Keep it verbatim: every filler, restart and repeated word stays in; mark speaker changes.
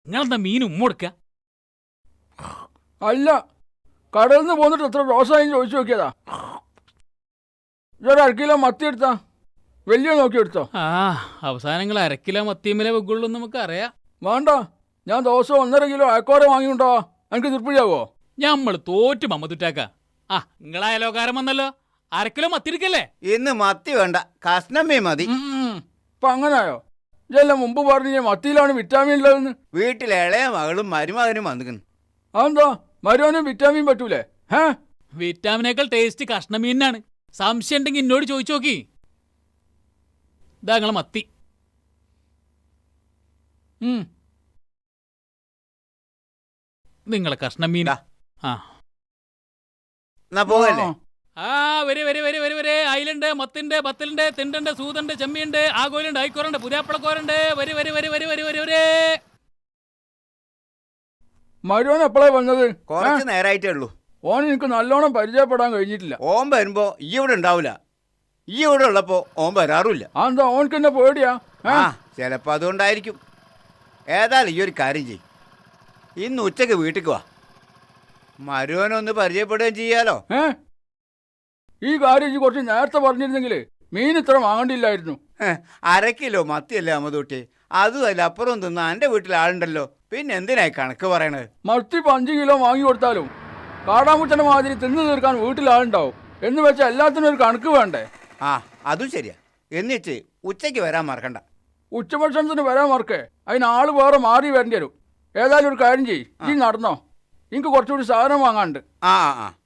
Speaker 1: നിങ്ങളെന്താ മീൻ ഉമ്മ കൊടുക്ക?
Speaker 2: അല്ല, കടലിൽ നിന്ന് പോന്നിട്ട് എത്ര റോസായി ചോദിച്ചു നോക്കിയതാ. ഇതൊരു അരക്കിലോ മത്തി എടുത്താ, വലിയ നോക്കി എടുത്തോ.
Speaker 1: ആ അവസാനങ്ങൾ അരക്കിലോ മത്തിയമ്മലേ വെക്കുള്ളൂ നമുക്ക് അറിയാം.
Speaker 2: വേണ്ട, ഞാൻ ദിവസം ഒന്നര കിലോ അയക്കോര വാങ്ങിയുണ്ടോ, എനിക്ക് തൃപ്തിയാവോ?
Speaker 1: ഞമ്മൾ തോറ്റു മമ്മതുറ്റാക്ക. ആ നിങ്ങളെ അയലോകാരം വന്നല്ലോ, അരക്കിലോ മത്തി എടുക്കല്ലേ?
Speaker 3: ഇന്ന് മത്തി വേണ്ട, കഷ്ണമേ മതി.
Speaker 2: ഇപ്പൊ അങ്ങനായോ? ഇതെല്ലാം മുമ്പ് പറഞ്ഞ മത്തിയിലാണ് വിറ്റാമിൻ ഉള്ളതെന്ന്.
Speaker 3: വീട്ടിലെ ഇളയ മകളും മരുമകനും വന്നിക്കുന്നു.
Speaker 2: അതെന്താ മരുവനും വിറ്റാമിൻ പറ്റൂലേ? ഹേ,
Speaker 1: വിറ്റാമിനേക്കാൾ ടേസ്റ്റ് കഷ്ണമീനാണ്. സംശയം ഉണ്ടെങ്കിൽ എന്നോട് ചോദിച്ചു നോക്കി. ഇതാ നിങ്ങളെ മത്തി. നിങ്ങളെ കഷ്ണമീൻ. ആ
Speaker 3: പോകല്ലേ?
Speaker 1: ആ വരെ വരെ വരെ വരെ വരെ അയിലുണ്ട്, മത്തിണ്ട്, ബത്തലുണ്ട്, തിണ്ടുണ്ട്, സൂതുണ്ട്, ചെമ്മിയുണ്ട്, ആഗോലുണ്ട്, ആയിക്കോറുണ്ട്, പുതിയാപ്പളക്കോറുണ്ട്. വരെ വരെ വരെ വരെ വരെ വരെ വരെ
Speaker 2: മരുവൻ എപ്പോഴാ വന്നത്?
Speaker 3: കുറച്ച് നേരായിട്ടേ ഉള്ളൂ.
Speaker 2: ഓൻ എനിക്ക് നല്ലോണം പരിചയപ്പെടാൻ കഴിഞ്ഞിട്ടില്ല.
Speaker 3: ഓൻ വരുമ്പോ ഈ ഇവിടെ ഉണ്ടാവൂല, ഈ ഇവിടെ ഉള്ളപ്പോ ഓൻ വരാറുമില്ല.
Speaker 2: അതെന്താ, ഓനക്ക് എന്നെ പേടിയാ?
Speaker 3: ആ ചിലപ്പോ അതുകൊണ്ടായിരിക്കും. ഏതായാലും ഈ ഒരു കാര്യം ചെയ്യും, ഇന്ന് ഉച്ചക്ക് വീട്ടിക്ക് വാ, മരുവനൊന്ന് പരിചയപ്പെടുകയും ചെയ്യാലോ.
Speaker 2: ഏ ഈ കാര്യം ഈ കുറച്ച് നേരത്തെ പറഞ്ഞിരുന്നെങ്കിൽ മീൻ ഇത്ര വാങ്ങണ്ടില്ലായിരുന്നു.
Speaker 3: അര കിലോ മത്തിയല്ലേ അമ്മതൂട്ടി, അതുമല്ല അപ്പുറം തിന്ന എൻ്റെ വീട്ടിൽ ആളുണ്ടല്ലോ, പിന്നെ എന്തിനായി കണക്ക് പറയണത്?
Speaker 2: മത്തി ഇപ്പം അഞ്ച് കിലോ വാങ്ങി കൊടുത്താലും കാടാമുച്ചന്റെ മാതിരി തിന്നു തീർക്കാൻ വീട്ടിൽ ആളുണ്ടാവും എന്ന് വെച്ചാൽ എല്ലാത്തിനും ഒരു കണക്ക് വേണ്ടേ?
Speaker 3: ആ അതും ശരിയാ. എന്നിട്ട് ഉച്ചയ്ക്ക് വരാൻ മറക്കണ്ട.
Speaker 2: ഉച്ചഭക്ഷണത്തിന് വരാൻ മറക്കേ, അതിന് ആള് വേറെ മാറി വരേണ്ടി വരും. ഏതായാലും ഒരു കാര്യം ചെയ്യ്, ഈ നടന്നോ, എനിക്ക് കുറച്ചുകൂടി സാധനം വാങ്ങാണ്ട്.
Speaker 3: ആ ആ